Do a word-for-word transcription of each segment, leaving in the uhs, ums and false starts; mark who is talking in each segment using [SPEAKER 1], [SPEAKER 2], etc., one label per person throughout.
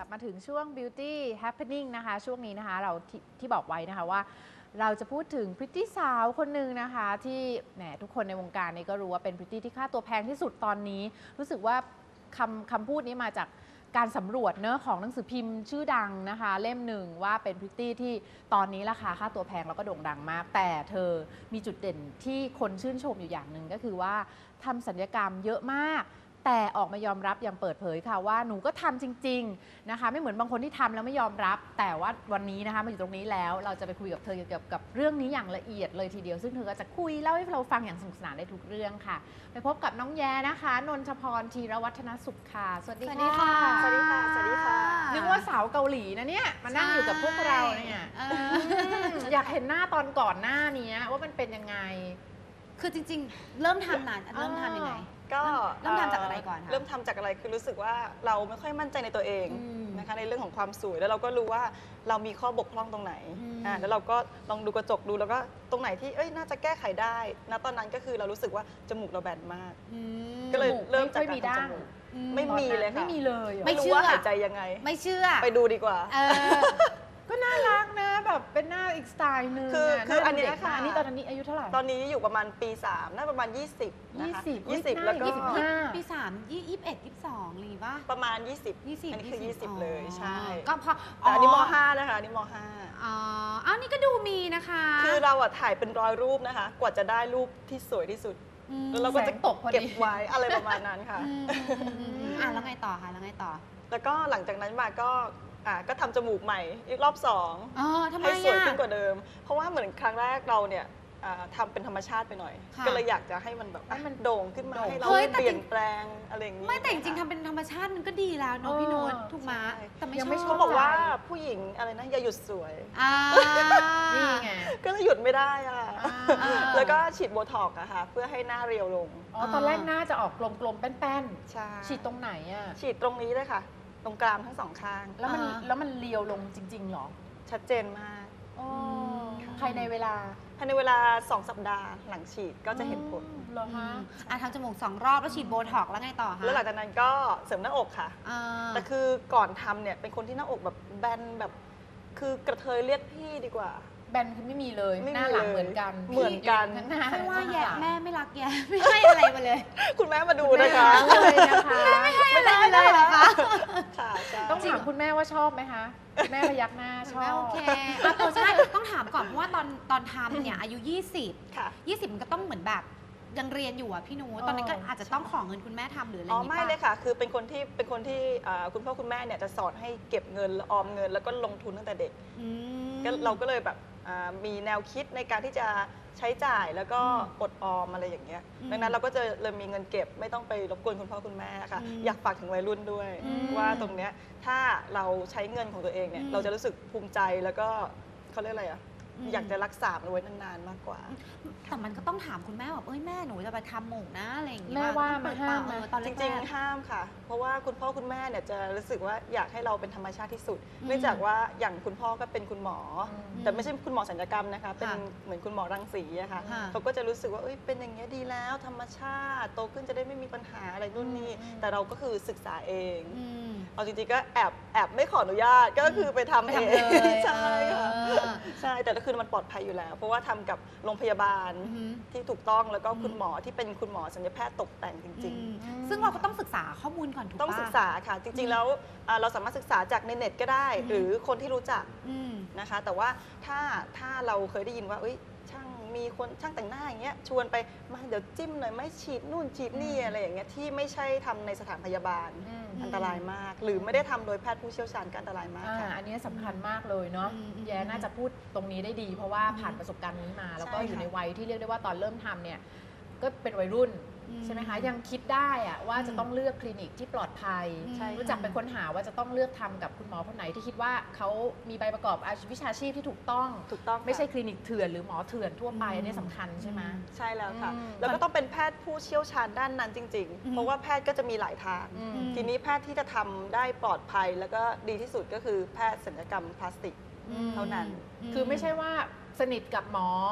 [SPEAKER 1] บมาถึงช่วง Beauty Happening นะคะช่วงนี้นะคะเราทที่บอกไว้นะคะว่าเราจะพูดถึงพริตตี้สาวคนหนึ่งนะคะที่แหมทุกคนในวงการนี้ก็รู้ว่าเป็นพริตตี้ที่ค่าตัวแพงที่สุดตอนนี้รู้สึกว่าคำคำพูดนี้มาจากการสำรวจเนื้อของหนังสือพิมพ์ชื่อดังนะคะเล่มหนึ่งว่าเป็นพริตตี้ที่ตอนนี้ราคาค่าตัวแพงแล้วก็โด่งดังมากแต่เธอมีจุดเด่นที่คนชื่นชมอยู่อย่างหนึ่งก็คือว่าทำศัลยกรรมเยอะมากแต่ออกมายอมรับอย่างเปิดเผยค่ะว่าหนูก็ทำจริงๆนะคะไม่เหมือนบางคนที่ทำแล้วไม่ยอมรับแต่ว่าวันนี้นะคะมาอยู่ตรงนี้แล้วเราจะไปคุยกับเธอเกี่ยวกับเรื่องนี้อย่างละเอียดเลยทีเดียวซึ่งเธอก็จะคุยเล่าให้เราฟังอย่างสนุกสนานได้ทุกเรื่องค่ะไปพบกับน้องแย้นะคะนนทพรธีรวัฒนสุขค่ะสวัสดีค่ะ
[SPEAKER 2] สวัสดีค่ะสวัสดีค่ะ
[SPEAKER 1] นึกว่าสาวเกาหลีนะเนี่ยมานั่งอยู่กับพวกเราเนี่ยอยากเห็นหน้าตอนก่อนหน้านี้ว่ามันเป็นยังไง
[SPEAKER 2] คือจริงๆ เริ่มทำนานเริ่มทำยังไง
[SPEAKER 3] ก็
[SPEAKER 2] เริ่มทำจากอะไรก่อนคะ
[SPEAKER 3] เริ่มทำจากอะไรคือรู้สึกว่าเราไม่ค่อยมั่นใจในตัวเองนะคะในเรื่องของความสวยแล้วเราก็รู้ว่าเรามีข้อบกพร่องตรงไหนอ่าแล้วเราก็ลองดูกระจกดูแล้วก็ตรงไหนที่เอ้ยน่าจะแก้ไขได้ณตอนนั้นก็คือเรารู้สึกว่าจมูกเราแบนมากก็เลยเริ่มจากการทำจมูกไม่มีเลยค่ะ
[SPEAKER 1] ไม่มีเลย
[SPEAKER 3] ไม่รู้ว่าหายใจยังไง
[SPEAKER 2] ไม่เชื่อ
[SPEAKER 3] ไปดูดีกว่า
[SPEAKER 1] ก็น่ารักนะแบบเป็นหน้าอีกสไตล์นึง
[SPEAKER 3] คือคืออันนี้ค่ะ
[SPEAKER 1] อันนี้ตอนนี้อายุเท่าไหร่
[SPEAKER 3] ตอนนี้อยู่ประมาณปีสามน่าประมาณยี่สิบนะคะยี่สิบแล้วก็
[SPEAKER 2] ปีสามยี่สิบเอ็ดยี่สิบสองหรือป่ะ
[SPEAKER 3] ประมาณยี่สิบ
[SPEAKER 2] ยี่สิบ
[SPEAKER 3] อันนี้คือยี่สิบเลยใช่
[SPEAKER 2] ก็พอ
[SPEAKER 3] อันนี้มห้านะคะอันนี้มห้า
[SPEAKER 2] อ๋ออันนี้ก็ดูมีนะคะ
[SPEAKER 3] คือเราอะถ่ายเป็นร้อยรูปนะคะกว่าจะได้รูปที่สวยที่สุดแล้วเราก็จะเก็บไว้อะไรประมาณนั้นค่ะ
[SPEAKER 2] อ่ะแล้วไงต่อคะแล้วไงต่อ
[SPEAKER 3] แล้วก็หลังจากนั้นมาก็อ่ะก็ทำจมูกใหม่อีกรอบสองให้สวยขึ้นกว่าเดิมเพราะว่าเหมือนครั้งแรกเราเนี่ยทำเป็นธรรมชาติไปหน่อยก็เลยอยากจะให้มันแบบให้มันโด่งขึ้นมาให้เราเปลี่ยนแปลงอะไรอย่างนี้
[SPEAKER 2] ไม่แต่จริงๆทำเป็นธรรมชาติมันก็ดีแล้วเนาะพี่นุชถูกไหม
[SPEAKER 3] แต่ไม่ชอบเขาบอกว่าผู้หญิงอะไรนะอย่าหยุดสวย
[SPEAKER 1] นี่ไง
[SPEAKER 3] ก็เลยหยุดไม่ได้อะแล้วก็ฉีดโบท็อกซ์อะค่ะเพื่อให้หน้าเรียวลง
[SPEAKER 1] อ๋อตอนแรกหน้าจะออกกลมๆแป้น
[SPEAKER 3] ๆใช่
[SPEAKER 1] ฉีดตรงไหนอะ
[SPEAKER 3] ฉีดตรงนี้เลยค่ะตรงกรามทั้งสองข้าง
[SPEAKER 1] แล้วมันแล้วมันเรียวลงจริงๆหรอ
[SPEAKER 3] ชัดเจนมาก
[SPEAKER 1] ภายในเวลา
[SPEAKER 3] ภายในเวลาสองสัปดาห์หลังฉีดก็จะเห็นผล
[SPEAKER 1] เหรอคะ
[SPEAKER 2] อ่ะทำจมูกสองรอบแล้วฉีดโบท็อกซ์แล้วไงต่อคะ
[SPEAKER 3] แล้วหลังจากนั้นก็เสริมหน้าอกค่ะแต่คือก่อนทำเนี่ยเป็นคนที่หน้าอกแบบแบนแบบคือกระเทยเรียกพี่ดีกว่า
[SPEAKER 1] แบนคือไม่มีเลยหน้าหลังเหมือนกัน
[SPEAKER 3] เหมือนกัน
[SPEAKER 1] ทั้งหน้า
[SPEAKER 2] ไม่ว่าแย่แม่ไม่รักแย่ไม่ให้อะไรมาเลย
[SPEAKER 3] คุณแม่มาดูนะคะ
[SPEAKER 1] เลยนะคะ
[SPEAKER 2] ไม่ได้เลยนะคะ
[SPEAKER 1] ต้องถามคุณแม่ว่าชอบไหมคะแม่พยักหน้าชอบ
[SPEAKER 2] โอเคใช่ต้องถามก่อนเพราะว่าตอนตอนทำเนี่ยอายุยี่สิบยี่สิบมันก็ต้องเหมือนแบบยังเรียนอยู่อ่ะพี่นูตอนนั้นก็อาจจะต้องขอเงินคุณแม่ทำหรืออะไรอย่าง
[SPEAKER 3] นี้ป่ะอ๋อไม่เลยค่ะคือเป็นคนที่เป็นคนที่คุณพ่อคุณแม่เนี่ยจะสอนให้เก็บเงินออมเงินแล้วก็ลงทุนตั้งแต่เด็กก็เราก็เลยแบบมีแนวคิดในการที่จะใช้จ่ายแล้วก็อดออมอะไรอย่างเงี้ยดังนั้นเราก็จะเลยมีเงินเก็บไม่ต้องไปรบกวนคุณพ่อคุณแม่ค่ะอยากฝากถึงวัยรุ่นด้วยว่าตรงเนี้ยถ้าเราใช้เงินของตัวเองเนี่ยเราจะรู้สึกภูมิใจแล้วก็เขาเรียกอะไรอ่ะอยากจะรักษามันไว้นานๆมากกว่า
[SPEAKER 2] แต่มันก็ต้องถามคุณแม่แบบเอ้ยแม่หนูจะไปทำหมูกนะอะไรอย่างเงี้ย
[SPEAKER 1] แม่ว่ามาห้าม
[SPEAKER 2] ตอนแรก
[SPEAKER 3] จริงๆห้ามค่ะเพราะว่าคุณพ่อคุณแม่เนี่ยจะรู้สึกว่าอยากให้เราเป็นธรรมชาติที่สุดเนื่องจากว่าอย่างคุณพ่อก็เป็นคุณหมอแต่ไม่ใช่คุณหมอศัลยกรรมนะคะเป็นเหมือนคุณหมอรังสีอะค่ะเขาก็จะรู้สึกว่าเอ้ยเป็นอย่างเงี้ยดีแล้วธรรมชาติโตขึ้นจะได้ไม่มีปัญหาอะไรนู่นนี่แต่เราก็คือศึกษาเองเอาจริงๆก็แอบแอบไม่ขออนุญาตก็คือไปทำเองใช่ค่ะใช่แต่ก็คือมันปลอดภัยอยู่แล้วเพราะว่าทำกับโรงพยาบาลที่ถูกต้องแล้วก็คุณหมอที่เป็นคุณหมอศัลยแพทย์ตกแต่งจริง
[SPEAKER 2] ๆซึ่งเราก็ต้องศึกษาข้อมูลก่อนถูก
[SPEAKER 3] ต้องศึกษาค่ะจริงๆแล้วเราสามารถศึกษาจากในเน็ตก็ได้หรือคนที่รู้จักนะคะแต่ว่าถ้าถ้าเราเคยได้ยินว่าช่างมีคนช่างแต่งหน้าอย่างเงี้ยชวนไปมาเดี๋ยวจิ้มหน่อยไม่ฉีดนู่นฉีดนี่อะไรอย่างเงี้ยที่ไม่ใช่ทำในสถานพยาบาลอันตรายมากหรือไม่ได้ทำโดยแพทย์ผู้เชี่ยวชาญก็อันตรายมากค่ะ
[SPEAKER 1] อันนี้สำคัญมากเลยเนาะแย่น่าจะพูดตรงนี้ได้ดีเพราะว่าผ่านประสบการณ์นี้มาแล้วก็อยู่ในวัยที่เรียกได้ว่าตอนเริ่มทำเนี่ยก็เป็นวัยรุ่นใช่ไหมคะยังคิดได้อะว่าจะต้องเลือกคลินิกที่ปลอดภัยรู้จักไปค้นหาว่าจะต้องเลือกทำกับคุณหมอคนไหนที่คิดว่าเขามีใบประกอบวิชาชีพที่ถูกต้อง
[SPEAKER 3] ถูกต้อง
[SPEAKER 1] ไม่ใช่คลินิกเถื่อนหรือหมอเถื่อนทั่วไปอันนี้สำคัญใช่ไหม
[SPEAKER 3] ใช่แล้วค่ะแล้วก็ต้องเป็นแพทย์ผู้เชี่ยวชาญด้านนั้นจริงๆเพราะว่าแพทย์ก็จะมีหลายทางทีนี้แพทย์ที่จะทำได้ปลอดภัยแล้วก็ดีที่สุดก็คือแพทย์ศัลยกรรมพลาสติกเท่านั้น
[SPEAKER 1] คือไม่ใช่ว่าสนิทกับหมอ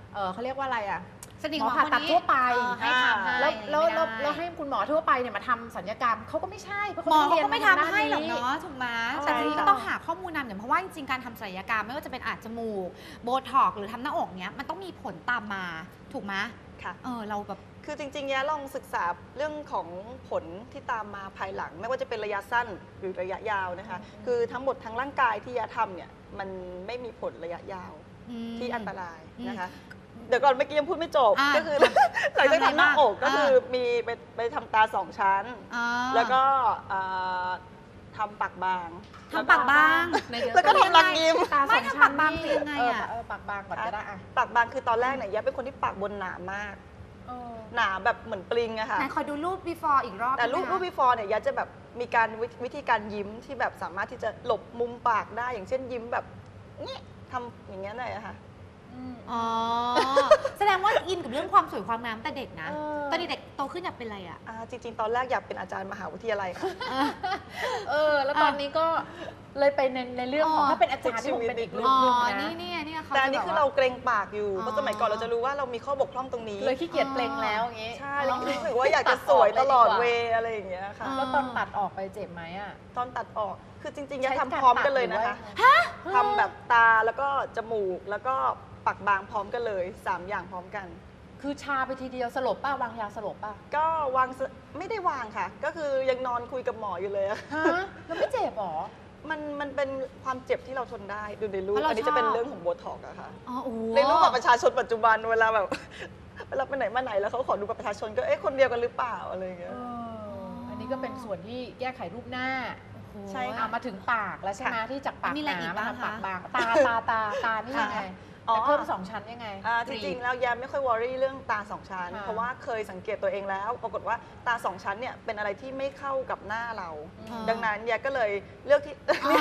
[SPEAKER 1] เออเขาเรียกว่าอะไรอ่ะ
[SPEAKER 2] สนิท
[SPEAKER 1] หมอ
[SPEAKER 2] ของ
[SPEAKER 1] ผ่า
[SPEAKER 2] คน
[SPEAKER 1] ตัด
[SPEAKER 2] นี้
[SPEAKER 1] ทั่วไป
[SPEAKER 2] เออให้ทำให้
[SPEAKER 1] แล้วแล้วแล้ว
[SPEAKER 2] ไม่ได้
[SPEAKER 1] แล้วให้คุณหมอทั่วไปเนี่ยมาทำศัลยกรรมเขาก็ไม่ใช่เพราะ
[SPEAKER 2] หมอ
[SPEAKER 1] เขา
[SPEAKER 2] เขา
[SPEAKER 1] ไม่
[SPEAKER 2] ก็
[SPEAKER 1] ได้
[SPEAKER 2] ไม่
[SPEAKER 1] เรียน
[SPEAKER 2] ทำให้หรอก
[SPEAKER 1] ด้นนี้
[SPEAKER 2] เนาะถูกไหม
[SPEAKER 1] ใช่
[SPEAKER 2] แต่ทีนี้
[SPEAKER 1] ค่ะ
[SPEAKER 2] ก็ต้องหาข้อมูลนำเนี่ยเพราะว่าจริงๆการทำศัลยกรรมไม่ว่าจะเป็นอาจจมูกโบท็อกซ์หรือทำหน้าอกเนี้ยมันต้องมีผลตามมาถูกไหม
[SPEAKER 3] ค่ะ
[SPEAKER 2] เออเราแบบ
[SPEAKER 3] คือจริงๆแย้ลองศึกษาเรื่องของผลที่ตามมาภายหลัง ไม่ว่าจะเป็นระยะสั้นหรือระยะยาวนะคะ
[SPEAKER 1] อืม
[SPEAKER 3] คือทั้งหมดทั้งร่างกายที่แย้ทำเนี่ยมันไม่มีผลระยะยาว
[SPEAKER 2] อืม
[SPEAKER 3] ที่อันตรายนะคะ
[SPEAKER 2] อืม
[SPEAKER 3] เดี๋ยวก่อนเมื่อกี้ยังพูดไม่จบ
[SPEAKER 2] อ่า
[SPEAKER 3] ก็คือ หลังจากทำหน้าอกก็คือมีไปไปทำตาสองชั้น
[SPEAKER 2] อ่า
[SPEAKER 3] แล้วก็เอ่อทำปากบาง
[SPEAKER 2] ทำปากบาง
[SPEAKER 1] ในเดือน
[SPEAKER 3] แล้วก็ทำรักยิ้ม
[SPEAKER 1] ตาส
[SPEAKER 2] ไม่
[SPEAKER 1] อง
[SPEAKER 2] ทำ
[SPEAKER 1] ชั้น
[SPEAKER 2] ปากบาง
[SPEAKER 1] นี่
[SPEAKER 2] คือยังไงอะ
[SPEAKER 1] เเออปากบางก่อนก็ได้อะ
[SPEAKER 3] ปากบางคือตอนแรกเนี่ยแย้เป็นคนที่ปากบนหนามาก
[SPEAKER 1] เออ
[SPEAKER 3] หนาแบบเหมือนปลิงอะค่ะ
[SPEAKER 2] ไหนขอดูรูป before อีกรอบ
[SPEAKER 3] แต่รูป
[SPEAKER 2] ได้ไหม
[SPEAKER 3] รูป before เนี่ยยาจะแบบมีการวิวิธีการยิ้มที่แบบสามารถที่จะหลบมุมปากได้อย่างเช่นยิ้มแบบนี้ทำอย่างเงี้ยหน่อยอะค่ะ
[SPEAKER 2] อ๋อ แสดงว่าอินกับเรื่องความสวยความงามแต่เด็กนะ
[SPEAKER 1] เออ
[SPEAKER 2] ตอนเด็กๆโตขึ้นอยากเป็นอะไรอ่ะ
[SPEAKER 3] อ่าจริง ๆ ตอนแรกอยากเป็นอาจารย์มหาวิทยาลัยค่ะ
[SPEAKER 1] เออ แล้วตอนนี้ก็เลยไปในในเรื่องของ
[SPEAKER 2] อ๋อ
[SPEAKER 1] ถ้าเป็นอาจารย์ที่ผมเป็นอีกเรื่
[SPEAKER 2] อ๋
[SPEAKER 1] อง
[SPEAKER 2] อ
[SPEAKER 1] หนึงนะ
[SPEAKER 2] นี่เนี่ยเนี่ยเขา
[SPEAKER 3] แต่อันนี้
[SPEAKER 2] จะ
[SPEAKER 3] คือ
[SPEAKER 2] แบบ
[SPEAKER 3] เรา
[SPEAKER 2] ว่า
[SPEAKER 3] เกรงปากอยู่
[SPEAKER 2] อ๋อ
[SPEAKER 3] เพราะสมัยก่อนเราจะรู้ว่าเรามีข้อบกพร่องตรงนี้
[SPEAKER 1] เลยขี้เกียจเปล่งแล้วอย่างงี้
[SPEAKER 3] ใช่แล้วรู้สึกว่าอยากจะสวยตลอดเวย์อะไรอย่างเงี้ยค่ะ
[SPEAKER 1] แล้วตอนตัดออกไปเจ็บไหมอ่ะ
[SPEAKER 3] ตอนตัดออกคือจริงๆยา
[SPEAKER 1] ใช้
[SPEAKER 3] ทำพร้อมกันเลยนะคะ
[SPEAKER 1] ฮะ
[SPEAKER 3] ทำแบบตาแล้วก็จมูกแล้วก็ปากบางพร้อมกันเลยสามอย่างพร้อมกัน
[SPEAKER 1] คือชาไปทีเดียวสลบป่ะวางยาสลบป่ะ
[SPEAKER 3] ก็วางสไม่ได้วางค่ะ ก็คือยังนอนคุยกับหมออยู่เลยอะ
[SPEAKER 1] ฮะแล้วไม่เจ็บหรอ
[SPEAKER 3] มันมันเป็นความเจ็บที่เราทนได้ดูในรูป
[SPEAKER 2] เพราะเรา
[SPEAKER 3] อันนี้จะเป็น
[SPEAKER 2] ชอบ
[SPEAKER 3] เรื่องของโบท็อกซ์อะค่ะ
[SPEAKER 2] อ๋อโอ้โห
[SPEAKER 3] ในรูปบัตรประชาชนปัจจุบันเวลาแบบ เวลาไปไหนมาไหนแล้วเขาขอดูบัตรประชาชนก็เอ๊ะคนเดียวกันหรือเปล่าอะไรอย่างเงี้ย
[SPEAKER 1] เอออันนี้ก็เป็นส่วนที่แก้ไขรูปหน้า
[SPEAKER 2] โอ้โห
[SPEAKER 3] ใช่ค่ะ
[SPEAKER 1] อ่ะมาถึงปากแล้วใช่ไหม
[SPEAKER 3] ค่ะ
[SPEAKER 1] ที่จากปาก
[SPEAKER 2] มีอะไร
[SPEAKER 1] ห
[SPEAKER 2] อี
[SPEAKER 1] นาก มา
[SPEAKER 2] บ้าง
[SPEAKER 1] ทำปาก
[SPEAKER 2] คะ
[SPEAKER 1] บาง ตาตาตาตานี่ยังไง
[SPEAKER 3] อ๋อ
[SPEAKER 1] แต่เพิ่มสองชั้นยังไง
[SPEAKER 3] อ่าจริงๆแล้วยาไม่ค่อยวอรี่เรื่องตาสองชั้น
[SPEAKER 1] ค่ะ
[SPEAKER 3] เพราะว่าเคยสังเกตตัวเองแล้ว ปรากฏว่าตาสองชั้นเนี่ยเป็นอะไรที่ไม่เข้ากับหน้าเรา
[SPEAKER 1] อืม
[SPEAKER 3] ดังนั้นยาก็เลยเลือกที่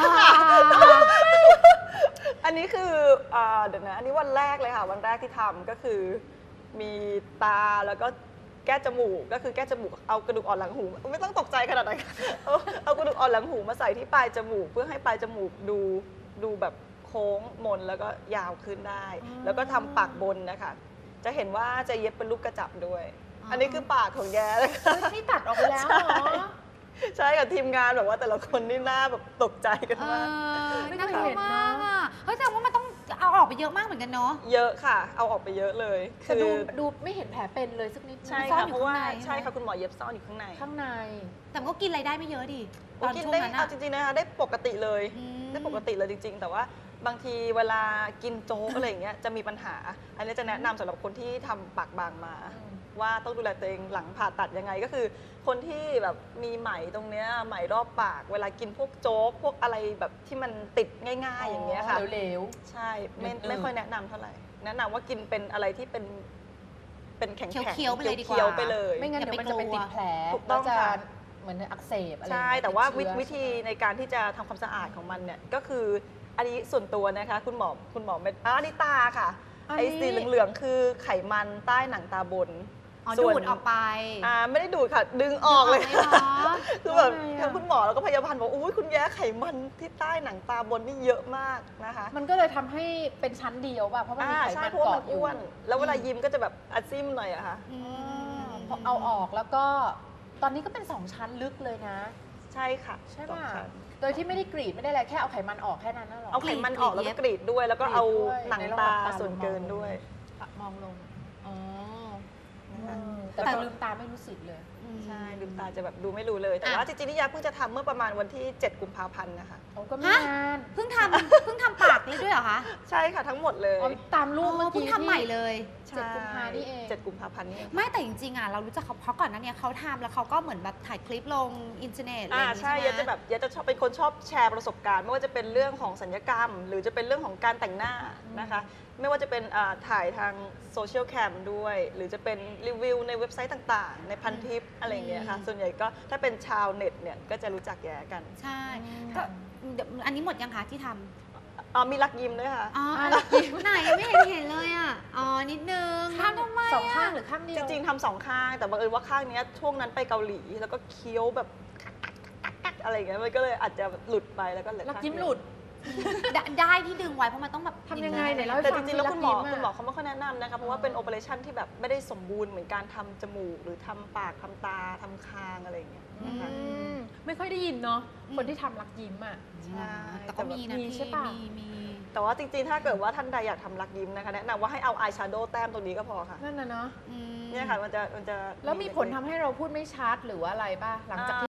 [SPEAKER 3] อันนี้คืออ่าเดี๋ยวนะอันนี้วันแรกเลยค่ะ วันแรกที่ทำก็คือมีตาแล้วก็แก้จมูกก็คือแก้จมูกเอากระดูกอ่อนหลังหู ไม่ต้องตกใจขนาดนั้นค่ะเอาเอากระดูกอ่อนหลังหูมาใส่ที่ปลายจมูก เพื่อให้ปลายจมูกดูดูแบบโค้งมนแล้วก็ยาวขึ้นได้
[SPEAKER 1] อ๋อ
[SPEAKER 3] แล้วก็ทำปากบนนะคะจะเห็นว่าจะเย็บเป็นลูกกระจับด้วย
[SPEAKER 2] อ๋ออั
[SPEAKER 3] อันนี้คือปากของแย้เลยค่ะ
[SPEAKER 1] เฮ้ยนี่ตัดออกไปแล้วเหรอ
[SPEAKER 3] ใช่กับทีมงานแบบว่าแต่ละคนนี่หน้าแบบตกใจกัน
[SPEAKER 2] เอ
[SPEAKER 3] มาก
[SPEAKER 2] อ
[SPEAKER 1] ไม่
[SPEAKER 2] น่า
[SPEAKER 1] เค
[SPEAKER 2] ก
[SPEAKER 1] ย
[SPEAKER 2] ลัว
[SPEAKER 1] เห็น
[SPEAKER 2] มาก
[SPEAKER 1] เนอะ
[SPEAKER 2] อ่ะเฮ้ยแต่ว่ามันต้องเอาออกไปเยอะมากเหมือนกันเนาะ
[SPEAKER 3] เยอะค่ะ เอาออกไปเยอะเลย
[SPEAKER 1] แต่ดูดูไม่เห็นแผลเป็นเลยสักนิดนึง
[SPEAKER 3] ใช่
[SPEAKER 2] ซ่อน
[SPEAKER 3] ค่ะ
[SPEAKER 2] อยู่
[SPEAKER 3] เพราะว่า
[SPEAKER 2] ข้างในใช่
[SPEAKER 3] ใช่
[SPEAKER 2] ไหม
[SPEAKER 3] ค่ะคุณหมอเย็บซ่อนอยู่ข้างใน
[SPEAKER 1] ข้างใน
[SPEAKER 2] แต่มันก็กินอะไรได้ไม่เยอะดิตอน
[SPEAKER 3] กิน
[SPEAKER 2] ช่วง
[SPEAKER 3] ได้
[SPEAKER 2] นั้น
[SPEAKER 3] เอา
[SPEAKER 2] อะ
[SPEAKER 3] จริงๆนะคะได้ปกติเลย
[SPEAKER 2] อืม
[SPEAKER 3] ได้ปกติเลยจริง ๆ แต่ว่าบางทีเวลากินโจ๊กอะไรอย่างเงี้ยจะมีปัญหา อันนี้จะแนะนำสำหรับคนที่ทำปากบางมา
[SPEAKER 1] อืม
[SPEAKER 3] ว่าต้องดูแลตัวเองหลังผ่าตัดยังไงก็คือ คนที่แบบมีไหมตรงเนี้ยไหมรอบปาก เวลากินพวกโจ๊กพวกอะไรแบบที่มันติดง่าย ๆ อย่างเงี้ยค่ะ
[SPEAKER 1] เหลว
[SPEAKER 3] ใช่ไม่
[SPEAKER 1] อืม
[SPEAKER 3] ไม่ค่อยแนะนำเท่าไหร่ แนะนำว่ากินเป็นอะไรที่เป็นเป็นแข็งๆ
[SPEAKER 2] เคี้ยวๆไปเลยดีกว่า
[SPEAKER 3] เคี้ยวๆไปเลย
[SPEAKER 1] ๆไม่งั้น
[SPEAKER 2] อย่า
[SPEAKER 1] เดี๋ยวมัน
[SPEAKER 2] ไป
[SPEAKER 1] จะไป
[SPEAKER 2] กลัว
[SPEAKER 1] ติดแผล
[SPEAKER 3] ถูกต้อง
[SPEAKER 1] แล้วจะ
[SPEAKER 3] ค่ะ
[SPEAKER 1] เหมือนอักเสบอะไร
[SPEAKER 3] ใช่
[SPEAKER 1] อย่งเงี้ย
[SPEAKER 3] แต่ว่า
[SPEAKER 1] ติด
[SPEAKER 3] วิ
[SPEAKER 1] เชื้อ
[SPEAKER 3] วิธีในการที่จะทำความสะอาดของมันเนี่ยก็คืออันนี้ส่วนตัวนะคะ คุณหมอคุณหมอไม่อ่านี่ตาค่ะ
[SPEAKER 1] อันนี้
[SPEAKER 3] ไอ้สีเหลืองๆคือไขมันใต้หนังตาบน
[SPEAKER 2] อ๋อ
[SPEAKER 3] ส่
[SPEAKER 2] ดู
[SPEAKER 3] วน
[SPEAKER 2] ดออกไป
[SPEAKER 3] อ่าไม่ได้ดูดค่ะ ดึงออกเลย
[SPEAKER 2] ดึงออกเลยเหรอ
[SPEAKER 3] คือแบบ
[SPEAKER 1] ทำไมอะ
[SPEAKER 3] ทั้งคุณหมอแล้วก็พยาบาลบอกอุ้ยคุณแย้ไขมันที่ใต้หนังตาบนนี่เยอะมากนะคะ
[SPEAKER 1] มันก็เลยทำให้เป็นชั้นเดียวป่ะเพราะมันมี
[SPEAKER 3] อ่า
[SPEAKER 1] ไข
[SPEAKER 3] ใช่
[SPEAKER 1] มัน
[SPEAKER 3] เพราะว่า
[SPEAKER 1] เกาะ
[SPEAKER 3] มัน
[SPEAKER 1] อยู่
[SPEAKER 3] อ้วน แล้วเวลายิ้มก็จะแบบอัดซิมหน่อยอะค่ะ
[SPEAKER 2] อืม
[SPEAKER 1] พอเอาออกแล้วก็ตอนนี้ก็เป็นสองชั้นลึกเลยนะ
[SPEAKER 3] ใช่ค่ะ
[SPEAKER 1] ใช่
[SPEAKER 3] สอง
[SPEAKER 1] ป่ะ
[SPEAKER 3] ชั้น
[SPEAKER 1] โดยที่ไม่ได้กรีดไม่ได้อะไรแค่เอาไขมันออกแค่นั้นน่ะหรอ
[SPEAKER 3] เอาไขมันออกแล้วก็กรีดด้วย แล้วก็
[SPEAKER 1] กรีด
[SPEAKER 3] เอา
[SPEAKER 1] ด้วย
[SPEAKER 3] หนัง
[SPEAKER 1] ในระห
[SPEAKER 3] ตา
[SPEAKER 1] ว่างตา
[SPEAKER 3] ส่วนเกินด้วย
[SPEAKER 1] มองลงอ๋อ
[SPEAKER 3] นะคะ
[SPEAKER 1] เออแต่
[SPEAKER 3] แล้ว
[SPEAKER 1] พ
[SPEAKER 3] ก็
[SPEAKER 1] อลืมตาไม่รู้สึกเลย
[SPEAKER 3] ใช่ลืมตาจะแบบดูไม่รู้เลย แต่ว่าจริงๆนี่ยาเพิ่งจะทำเมื่อประมาณวันที่ เจ็ด กุมภาพันธ์นะคะ
[SPEAKER 1] โอ้ก็ไม่
[SPEAKER 2] ฮะ
[SPEAKER 1] นาน
[SPEAKER 2] เพิ่งทำเพิ่งทำปากเลยด้วยเหรอคะ
[SPEAKER 3] ใช่ค่ะทั้งหมดเลย
[SPEAKER 1] อ๋อตามรูปเมื่อ
[SPEAKER 2] เพิ่ง
[SPEAKER 1] กี้
[SPEAKER 2] ทำใหม่เลย
[SPEAKER 1] เจ็ดกุมภานี่เอง
[SPEAKER 3] เจ็ดกุมภาพันธ์นี่เอง
[SPEAKER 2] ไม่แต่จริงๆอ่ะเรารู้จักเขาเพราะก่อนหนั้นเนี่ยเขาทำแล้วเขาก็เหมือนแบบถ่ายคลิปลงอินเทอร์เน็ตอะไรอ
[SPEAKER 3] อ่า
[SPEAKER 2] ย่างงี้
[SPEAKER 3] ใช่
[SPEAKER 2] ใช่
[SPEAKER 3] ยา
[SPEAKER 2] ไหม
[SPEAKER 3] จะแบบยาจะชอบเป็นคนชอบแชร์ประสบการณ์ ไม่ว่าจะเป็นเรื่องของสัญญกรรม หรือจะเป็นเรื่องของการแต่งหน้านะคะ ไม่ว่าจะเป็นอ่าถ่ายทางโซเชียลแคมด้วย หรือจะเป็นรีวิวในเว็บไซต์ต่างๆ ในพันทิปอะไรอย่างเงี้ยค่ะ ส่วนใหญ่ก็ถ้าเป็นชาวเน็ตเนี่ยก็จะรู้จักแย่กัน
[SPEAKER 2] ใช่
[SPEAKER 1] อืม
[SPEAKER 2] ก็เดี๋ยวอันนี้หมดยังคะที่ทำ
[SPEAKER 3] อ๋อมีรักยิ้มด้วยค่ะ
[SPEAKER 2] อ๋อ
[SPEAKER 1] อ่ะ
[SPEAKER 2] ไหนไม่เห็นเห็นเลยอ่ะ อ๋อ นิดนึงทำทำไม
[SPEAKER 1] สองข้าง
[SPEAKER 2] อะ
[SPEAKER 1] หรือข้างเดี
[SPEAKER 3] จ
[SPEAKER 1] ยว
[SPEAKER 3] ริงๆทำสองข้าง แต่บังเอิญว่าข้างเนี้ยช่วงนั้นไปเกาหลี แล้วก็เคี้ยวแบบอะไรอย่างเงี้ยมันก็เลยอาจจะหลุดไปแล้วก็เหลือ
[SPEAKER 1] รัก
[SPEAKER 3] ข้าง
[SPEAKER 1] ยิ้ม
[SPEAKER 3] เดียว
[SPEAKER 1] หลุด
[SPEAKER 2] ได้ได้ที่ดึงไว้เพราะมันต้องแบบ
[SPEAKER 1] ทำยังไงเนี่ย
[SPEAKER 2] ห็
[SPEAKER 1] เล่าให้
[SPEAKER 3] แต่
[SPEAKER 1] ฟั
[SPEAKER 3] จ
[SPEAKER 1] ง
[SPEAKER 3] ริงๆแล้วคุณหมอ
[SPEAKER 1] รักยิ้มอะ
[SPEAKER 3] คุณหมอเขาไม่ค่อยแนะนำนะคะเพราะว่าเป็นโอเปอเรชั่นที่แบบไม่ได้สมบูรณ์เหมือนการทำจมูกหรือทำปากทำตาทำคางอะไรอย่างเงี้ยนะคะ
[SPEAKER 1] อืมไม่ค่อยได้ยินเนาะคนที่ทำรักยิ้มอ่ะ
[SPEAKER 3] ใช่
[SPEAKER 2] แต่ก็มีนะ
[SPEAKER 1] มี
[SPEAKER 2] พี่
[SPEAKER 1] ใช่ปะ
[SPEAKER 2] มีมี
[SPEAKER 3] แต่ว่าจริงๆ ถ้าเกิดว่าท่านใดอยากทำรักยิ้มนะคะแนะนำว่าให้เอาอายแชโดว์แต้มตรงนี้ก็พอค่ะ
[SPEAKER 1] นั่นนะเนาะ
[SPEAKER 2] อืม
[SPEAKER 3] เนี่ยค่ะมันจะมันจะ
[SPEAKER 1] แล้วมีผลทำให้เราพูดไม่ชัดหรือว่าอะไรป่ะหลังจากที่